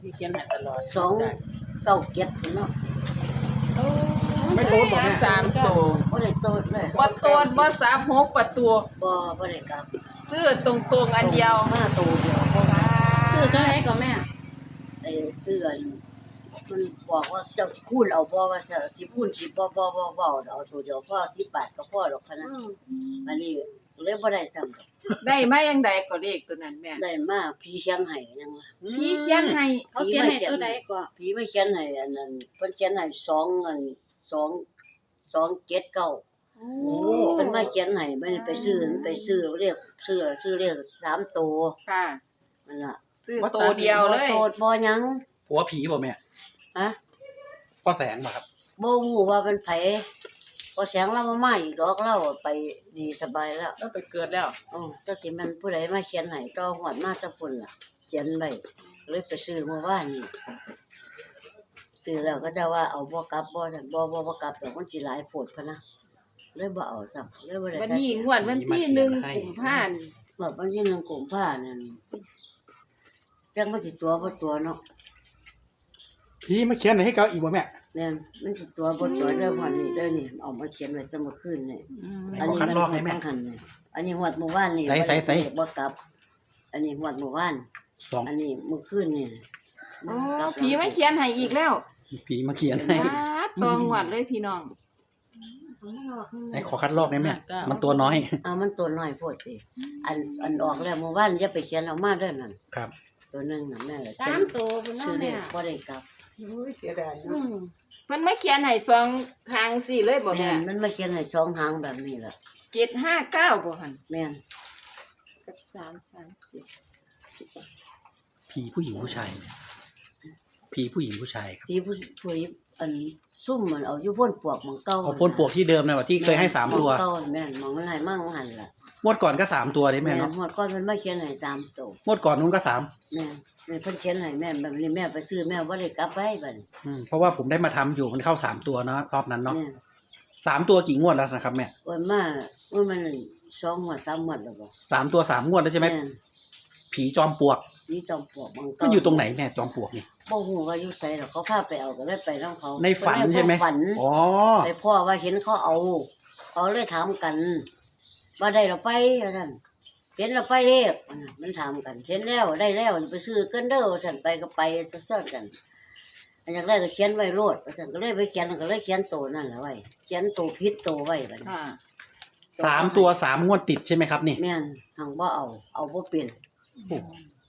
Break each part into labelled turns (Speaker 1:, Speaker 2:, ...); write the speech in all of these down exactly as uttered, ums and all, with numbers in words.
Speaker 1: พี่เขียนให้ตลอด
Speaker 2: สองเก้าเจ็ดเนาะ
Speaker 3: ไม่โตบ่แม่
Speaker 1: สามตัว
Speaker 2: บ่ได้โตเลย
Speaker 1: บ่โตนบ่สามหกประตู
Speaker 2: บ่บ่ได้กลับ
Speaker 1: ซื้อตรงๆอันเดียว
Speaker 2: มาโตเดียวเพราะว่า
Speaker 4: ซื้อเท่าไหร่ก็แม่
Speaker 2: ไอ้เสื้อนี่มันบอกว่าเจ้าคูณเอาบ่ว่าจะสิคูณสิบ่บ่บ่บ่เอาตัวเดียวพอสิบบาทก็พอดอกพะนะอันนี้เลยบ่ได้ซ้ำ
Speaker 1: ได้มายังใดก็เลขตัวนั้นแม่
Speaker 2: ได้มาพี่เชียงไห้ยังว่า
Speaker 1: พี่เขียนให้
Speaker 4: เขาเขียนให้ตัวใดก็
Speaker 2: พี่ไม่เขียนให้อันนั้นเพิ่นเขียนให้สองอันสองสองเจ็ดเก้า
Speaker 1: โอ้
Speaker 2: เพิ่นมาเขียนให้มันไปซื้อไปซื้อเรียกซื้อซื้อเรียกสามตัว
Speaker 1: ค่ะ
Speaker 2: นั่นล่ะ
Speaker 1: ซื้อตัวเดียวเลย
Speaker 2: บ่โตดบ่หยัง
Speaker 3: ผัวผีบ่แม่
Speaker 2: ฮะ
Speaker 3: พ่อแสงบ่ครับ
Speaker 2: บ่ฮู้ว่าเป็นไผพอแสงเราบ่มาอีกดอกเราไปดีสบายแล้ว
Speaker 1: แล้วไปเกิดแล้ว
Speaker 2: อ๋อจักสิมันผู้ใดมาเขียนให้ต่อฮอดมาแตะพุ่นล่ะเขียนไว้เลยไปซื้อเมื่อวานนี้ซื้อแล้วก็จะว่าเอาบ่กลับบ่ซั่นบ่บ่บ่กลับดอกมันสิหลายโพดพะนะเลยบ่เอาซ้ำเลยบ่ได้
Speaker 1: วัน
Speaker 2: ใส่
Speaker 1: นี้งวดวันที่หนึ่งกุมภาพันธ์
Speaker 2: แบบวันที่หนึ่งกุมภาพันธ์นั่นจังมันสิตัวบ่ตัวเนาะ
Speaker 3: ผีมาเขียนให้เขาอีกบ่แม่
Speaker 2: แม่นมันสิตัวบ่ตัวเด้อพ่อนี่เด้อนี่เอามาเขียนไว้ซะเมื่อคืนนี่
Speaker 3: ให้เขาคัดลอกให้แม่
Speaker 2: อันนี้มันนี่อันนี้ฮอดเมื่อวานนี่
Speaker 3: ใส่ใส่ใส่
Speaker 2: บ่กลับ อันนี้ฮอดเมื่อวาน
Speaker 3: สอง
Speaker 2: อันนี้เมื่อคืนนี่
Speaker 1: อ๋อผีไม่เขียนให้อีกแล้ว
Speaker 3: ผีมาเขียนให้
Speaker 1: ว้าตองหวัดเลยพี่น้อง
Speaker 3: ให้ขอคัดลอกได้แม่มันตัวน้อย
Speaker 2: เอามันตัวน้อยโพดสิอันอันออกแล้วเมื่อวานอย่าไปเขียนเอามาเด้อนั่น
Speaker 3: ครับ
Speaker 2: ตัวหนึงน่ะแม่ก็
Speaker 4: สามตัวพุ่น
Speaker 2: ชื่
Speaker 4: เนาะ
Speaker 2: อเล
Speaker 4: แม่
Speaker 2: ขบ่ได้กลับ
Speaker 1: เสียดาย
Speaker 4: อืม
Speaker 1: มันไม่เขียนให้สองทางสี่เลยบ่
Speaker 2: แม่
Speaker 1: แม่
Speaker 2: นมันมาเขียนให้สองหางแบบนี้ล่ะ
Speaker 1: เจ็ดห้าเก้าบ่หัน
Speaker 2: แม่น
Speaker 1: กับสามสามเจ็ด
Speaker 3: ผีผู้หญิงผู้ชายเนี่ยผีผู้หญิงผู้ชายครับ
Speaker 2: พี่ผู้ผู้อันซุ่มมันเอาอยู่พ่นปวกหมองเก่า
Speaker 3: เอาพ่นปลวกที่เดิมนะว่าที่เคยให้สามตัว
Speaker 2: หองเก่าแม่นหมองมันให้มั่งหันล่ะ
Speaker 3: งวดก่อนก็สามตัวได้แม่
Speaker 2: แม่น
Speaker 3: เนาะ
Speaker 2: หมดก่อนมันมาเขียนให้สามตัว
Speaker 3: งวดก่อนนู้นก็สาม
Speaker 2: แม่นแม่เพิ่นเขียนให้แม่แบบนี้แม่ไปซื้อแม่บ่ได้กลับไปบัดนี้
Speaker 3: อืมเพราะว่าผมได้มาทำอยู่มันเข้าสามตัวเนาะรอบนั้นเนาะ
Speaker 2: แม่น
Speaker 3: สามตัวกี่งวดแล้วนะครับแม่
Speaker 2: วันมาว่ามันสองหมดสามหมดแล้วบ่
Speaker 3: สามตัวสามงวดแล้วใช่ไหม
Speaker 2: แม่น
Speaker 3: ผีจอมปลวก
Speaker 2: นี่จอมปลวกหมอง
Speaker 3: มั
Speaker 2: เก่าน
Speaker 3: อยู่ตรงไหนแม่จอมปลวกนี่
Speaker 2: บ่ฮู้ว่าอยู่ไสหรอกเขาพาไปเอาก็เลยไปนำเขา
Speaker 3: ในฝันใช่ไหม
Speaker 2: ฝัน
Speaker 3: อ๋อ
Speaker 2: ไปพ่อว่าเห็นเขาเอาเขาเลยถามกันว่าได้เราไปว่าซั่นเห็นเราไปเรียกมันถามกันเห็นแล้วได้แล้วไปซื้อกันเด้อว่าซั่นไปก็ไปซั่นกันอันอย่างแรกก็เขียนไว้โลดว่าซั่นก็เลยไปเขียนก็เลยเขียนโตนั่นล่ะไว้เขียนโตผิดโตไว้บัดนี้
Speaker 1: ค่ะ
Speaker 3: สามตัวสามงวดติดใช่ไหมครับนี่
Speaker 2: แม่นหังบ่เอาเอาบ่เป็น
Speaker 3: โอ้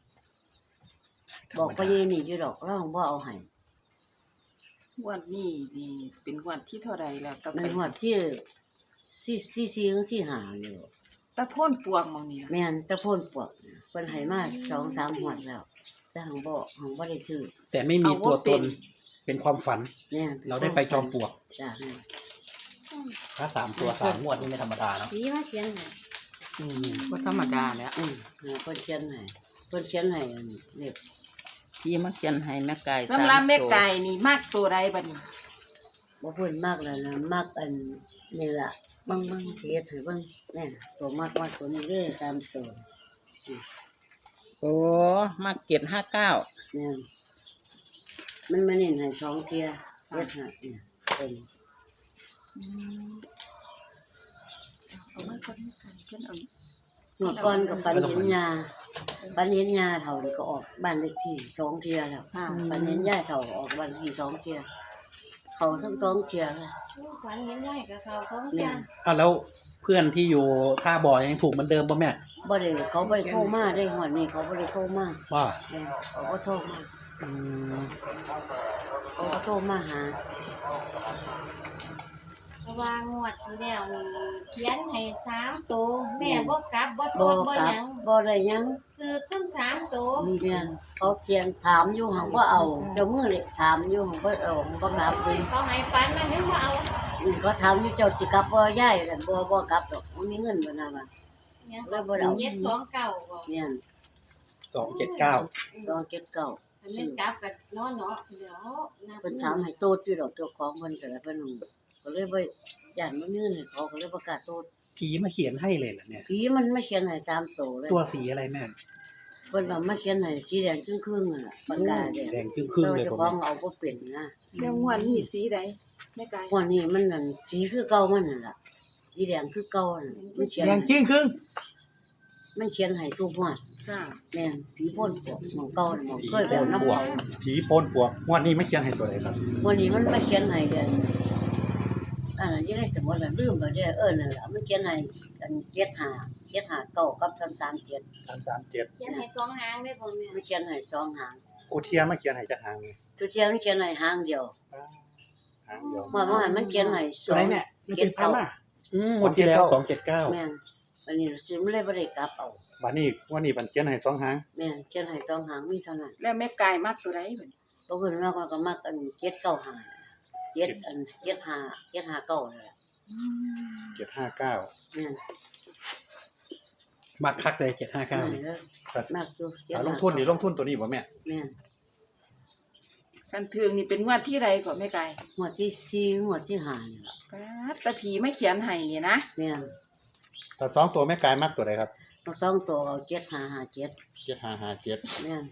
Speaker 2: บอกไปยีนี่อยู่ดอกเราหังบ่เอาให้
Speaker 1: งวดนี้นี่เป็นงวดที่เท่าไรแล้วต่อ
Speaker 2: ใน
Speaker 1: ไป
Speaker 2: หัวที่สี่สี่สี่ถึงสี่ห้าอยู่
Speaker 1: ตะโพ่นปวงหมองนี้นะ
Speaker 2: แม่นตะโพนปวกเพิ่นให้มาสองสามหวดแล้วแต่หังบ่หังบ่ได้ซื้อ
Speaker 3: แต่ไม่มีตัวตนเป็นความฝัน
Speaker 2: แม่น
Speaker 3: เราได้ไปจอมปลวก
Speaker 2: จ้ะแม่น
Speaker 3: ถ้าสามตัวสามงวดนี่ไม่ธรรมดาเนาะ
Speaker 4: ผีมาเขียนให้
Speaker 3: อืม
Speaker 1: บ่ธรรมดาแล้ว
Speaker 2: อืมเนี่ยเพิ่นเขียนให้เพิ่นเขียนให้อันเรียก
Speaker 5: พี่มาเขียนให้แม่ไก่
Speaker 1: สำหรับแม่ไก่นี่มากตัวใดบัดนี้
Speaker 2: บ่เพิ่นมากแล้วนะมากอันนี่ล่ะบางบางสิเฮ็ดให้เบิ่งแน่ตัวมากมากตัวนี้เด้อตามตัว
Speaker 5: โอ้มาเก็ดห้าเก้า
Speaker 2: แม่นมันมาเน้นให้สองเที่ยเฮ็ดให้เนี่ยเป็น
Speaker 1: เอามาก่อนแม่ไก่เพิ่นเอา
Speaker 2: เมื่อก่อนก็ฝันเห็นยาฝันเห็นยาเฒ่านี่ก็ออกบ้านเลขที่สองเที่ยแล้ว
Speaker 1: ค่ะ
Speaker 2: ฝันเห็นยาเฒ่าก็ออกบ้านเลขที่สองเที่ยเขาทั้งสองเที่ยเลย
Speaker 4: ฝันเห็นได้กับเขาของ
Speaker 2: เนี่
Speaker 4: จ้าย
Speaker 3: อ่ะแล้วเพื่อนที่อยู่ท่าบ่อยังถูกเหมือนเดิมป่ะแม่
Speaker 2: บ่ได้เขาบ่ได้โทรมาได้ฮอดนี่เขาบ่ได้โทรมา
Speaker 3: ว่า
Speaker 2: แม่นเขาบ่โทรมา
Speaker 3: อืม
Speaker 2: เขาบ่โทรมาหา
Speaker 4: เพราะว่างวดที่แล้วนี่เขียนให้สามตัวแม่บ่กลับบ่โท
Speaker 2: บ่
Speaker 4: ษบ่
Speaker 2: กลั
Speaker 4: ห
Speaker 2: บ
Speaker 4: ยัง
Speaker 2: บ่ได้หยัง
Speaker 4: คือทั้งสามตัว
Speaker 2: มีแม่นเขาเขียนถามอยู่หังบ่เอาเจ้ามือนี่ถามอยู่หังบ่เอาบ่กลับเลย
Speaker 4: เขาให้ฝันมันนึกว่าเอา
Speaker 2: อืมเขาถามอยู่เจ้าสิกลับบ่ยายกันบ่บ่กลับดอกบ่มีเงินบ่น่ะว่า
Speaker 4: เนี่ย
Speaker 2: แล้วบ่ได้เอา
Speaker 4: เจ็ดสองเก้าบ่
Speaker 2: แม่น
Speaker 3: สองเจ็ดเก้า
Speaker 2: สองเจ็ดเก้า
Speaker 4: อันนี้กลับกับน้อเนาะเดี๋ยวนับ
Speaker 2: เพิ่นถามให้โตดอยู่ดอกเจ้าของเพิ่นก็เลยเพิ่นก็เลยบ่ย่านบ่มีเงินให้เขาก็เลยประกล้าศโตด
Speaker 3: ผีมาเขียนให้เลยเหรอเนี่ย
Speaker 2: ผีมันไม่เขียนให้สามโตเลย
Speaker 3: ตัวสีอะไรแม่
Speaker 2: มพิ่นเอามาเขียนให้สีแดงครึ่งๆนั่นล่ะปากกาแดง
Speaker 3: แดงครึ่งๆเลย
Speaker 2: เจ้า
Speaker 3: ผม
Speaker 2: ของเอาบ่เป็นนะ
Speaker 1: แล้วงวดนี้สีใดแม่กาย
Speaker 2: วันนี้มันนั่นสีคือเก่ามันนั่นล่ะสีแดงคือเก่านั่นมันเขียน
Speaker 3: แดงจริงครึ่ง
Speaker 2: มันเขียนให้ทุกงวด
Speaker 1: ค่ะ
Speaker 2: แม่นผีพ่นปวกหมองเก่าน่ะหมองเคยแบบน้ำ
Speaker 3: ปว
Speaker 2: เก่าก
Speaker 3: ผีโพนปวกงวดนี้ไม่เขียนให้ตัวใดครับ
Speaker 2: วันนี้มันมาเขียนให้เดือนอันนั้นยังได้สมมุติว่าลืมแล้วเด้อเออนั่นล่ะมันเขียนให้กันเจ็ดห้า เจ็ดห้าเก้ากับสามสามเจ็ด
Speaker 3: สามสามเจ็ด
Speaker 4: เขียนให้สองหางได้บ่แม่
Speaker 2: มันเขียนให้สองหาง
Speaker 3: กูเทียมาเขียนให้จักหางนี่
Speaker 2: ทุกเที่ยมันเขียนให้หางเดียว
Speaker 3: หางเดียว
Speaker 2: ว่าว่ามันเขียนให้สองเจ็ดเก้า
Speaker 3: อืมงวดที่แล้วสองเจ็ดเก้า
Speaker 2: แม่นวันนี้สิมันเลยบ่ได้กลับเอา
Speaker 3: วันนี้วันนี้มันเขียนให้สองหาง
Speaker 2: แม่นเขียนให้สองหางมีเท่านั้น
Speaker 1: แล้วแม่กายมักตัวใดบัดนี้
Speaker 2: บางคนเราก็มักอันเจ็ดเก้าห้าเจ็ดอันเจ็ดห้าเจ็ดห้าเก้านั่นแหละ
Speaker 3: เจ็ดห้าเก้า
Speaker 2: แม่น
Speaker 3: มักคักเลยเจ็ดห้าเก้า
Speaker 2: แม่นเด้อมากอยู่เจ็ด
Speaker 3: ล
Speaker 2: ห้าง
Speaker 3: ทุนนี่ลงทุนตัวนี้บ่แม่
Speaker 2: แม่น
Speaker 1: กันถึงนี่เป็นงวดที่ใดก่อนแม่กาย
Speaker 2: หัวดที่สี่หัวดที่ห้านี่ล่ะ
Speaker 1: ป๊าดแต่ผีไม่เขียนให้นี่นะ
Speaker 2: แม่น
Speaker 3: แต่สองตัวแม่กายมักตัวใดครับ
Speaker 2: เอาสองตัวเอาเจ็ดห้าห้าเจ็ด
Speaker 3: เจ็ดห้าห้าเจ็ด
Speaker 2: แม่น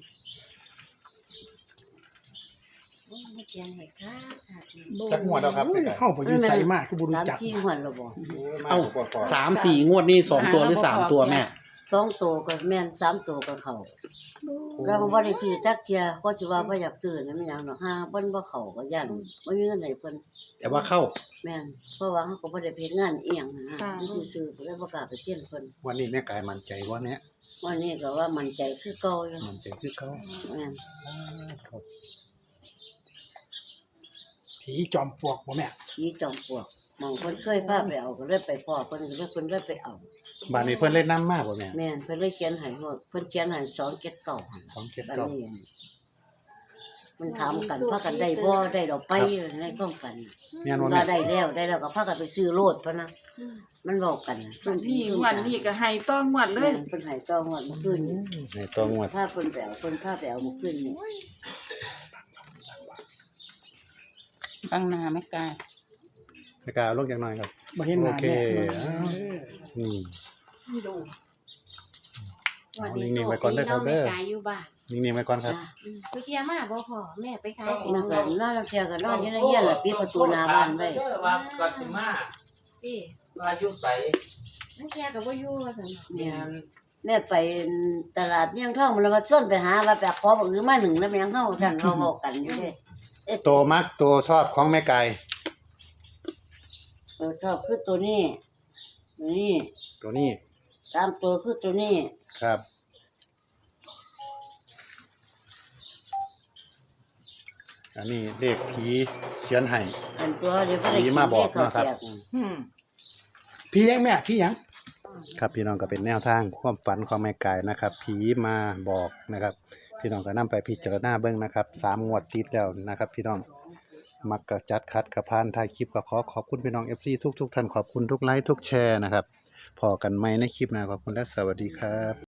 Speaker 4: โอ้ยเขียนให้ค่ะค่ะ
Speaker 3: จักงวดแล้วครับแม่กาย
Speaker 6: เข้าไปอยู่ใส่มากคือบุรุษ
Speaker 2: สาม
Speaker 6: จัก
Speaker 2: สี่หัวดแล้วบ่
Speaker 3: เอ้าก่อน
Speaker 5: สามสี่งวดนี่สองตัวหรือสามตัวแม่
Speaker 2: สองตัวก็แม่นสามตัวก็เข้าแล้วก็บ่ได้ซื้อจักเที่ยก็สิว่าบ่อยากซื้อนั่นมันหยังดอกหาเพิ่นบ่เข้าก็ย่านบ่มีเงินให้เพิ่น
Speaker 3: แต่ว่าเข้า
Speaker 2: แม่นเพราะว่าเขาก็บ่ได้ไปเฮ็ดงานอีหยังนะมันซื่อๆก็เลยบ่กล้าไปเสี่ยงเพิ่น
Speaker 3: วันนี้แม่กายมั่นใจว่าเนี้ย
Speaker 2: วันนี้ก็ว่ามั่นใจคือเก่าอยู่
Speaker 3: มั่นใจคือเขา
Speaker 2: แม่น
Speaker 6: ผีจอมปลวกบ่แม่
Speaker 2: ผีจอมปลวกหมองเพิ่นเคยพาไปเอาก็เลยไปพ้อเพิ่นก็เลยเพิ่นเลยไปเอา
Speaker 3: บ้านนี้เพิ่นเล่นน้ำมากบ่แม่
Speaker 2: แม่นเพิ่นเลยเขียนให้ว่าเพิ่นเขียนให้สองเจ็ดเก้าหั่น
Speaker 3: สองเจ็ด
Speaker 2: บัด
Speaker 3: เก้า
Speaker 2: นี้มันถามกันพากันได้บ่ได้ดอกไปในกล้องกัน
Speaker 3: แม่นว่า
Speaker 2: ว่า
Speaker 3: แม่
Speaker 2: ได้แล้วได้แล้วก็พากันไปซื้อโลดพะนะมันเว้ากันซุ่ม
Speaker 1: นี่
Speaker 2: ซุ่ม
Speaker 1: งวดนี้ก็ให้ต้องงวดเล
Speaker 2: แม่
Speaker 1: ย
Speaker 2: นเพิ่นให้ต่องวดเมื่อคืนนี้
Speaker 3: ในตัวงวด
Speaker 2: พาเพิ่นไปเอาเพิ่นพาไปเอาเมื่อคืนนี้
Speaker 5: ตั้งหนาไม่กล้า
Speaker 3: แม่กายเอาลงจักหน่อยครับ
Speaker 6: บ่เห็นหน้า
Speaker 3: โอเค
Speaker 6: แม่
Speaker 3: อ้าวนี่
Speaker 4: วันนี้
Speaker 3: นิ่งๆไว้ก่อนเด้อครับเด้อ
Speaker 4: แม่กายอยู่บ้าน
Speaker 3: นิ่งๆไว้ก่อนครับ
Speaker 2: จ้ะ
Speaker 4: อืมสุเทียมาบ่พ่อแม่ไปขายของ
Speaker 2: มันก็นอนแล้วเที่ยก็นอนอยู่ในเฮียนล่ะปิดประตูหน้าบ้านไว้
Speaker 7: ว่าก่อนสิมา
Speaker 4: ที่
Speaker 7: ว่าอยู่ไส
Speaker 4: นั่นแค่ก็บ่อยู่ว่าซั่นเนาะ
Speaker 7: แม่น
Speaker 2: แม่ไปตลาดเมี่ยงทองมันแล้วมาชวนไปหาว่าไปขอบักอือมาหนึ่งแล้วแม่งเฮาท่านเขาบอกกันอยู่เด้เอ๊ะ
Speaker 3: ตัวมักตัวชอบของแม่กาย
Speaker 2: ตัวชอบคือตัวนี้ตัวนี้
Speaker 3: ตัวนี้
Speaker 2: ตามตัวคือตัวนี้
Speaker 3: ครับ อันนี้เลขผีเขียนให้
Speaker 2: อันตัวเดี๋ยวบ่ได้
Speaker 3: ผีมาบอกนะครับ
Speaker 1: อืม
Speaker 6: พี่ยังแม่พี่ยัง
Speaker 3: ครับพี่น้องก็เป็นแนวทางความฝันของแม่กายนะครับ ผีมาบอกนะครับ พี่น้องก็นำไปพิจารณาเบิ่งนะครับสามงวดติดแล้วนะครับ พี่น้องมักกะจัดคัดกระพานถ่ายคลิปก็ขอขอบคุณพี่น้อง เอฟ ซี ทุกๆท่านขอบคุณทุกไลค์ทุกแชร์นะครับพอกันไหมในคลิปหน้าขอบคุณและสวัสดีครับ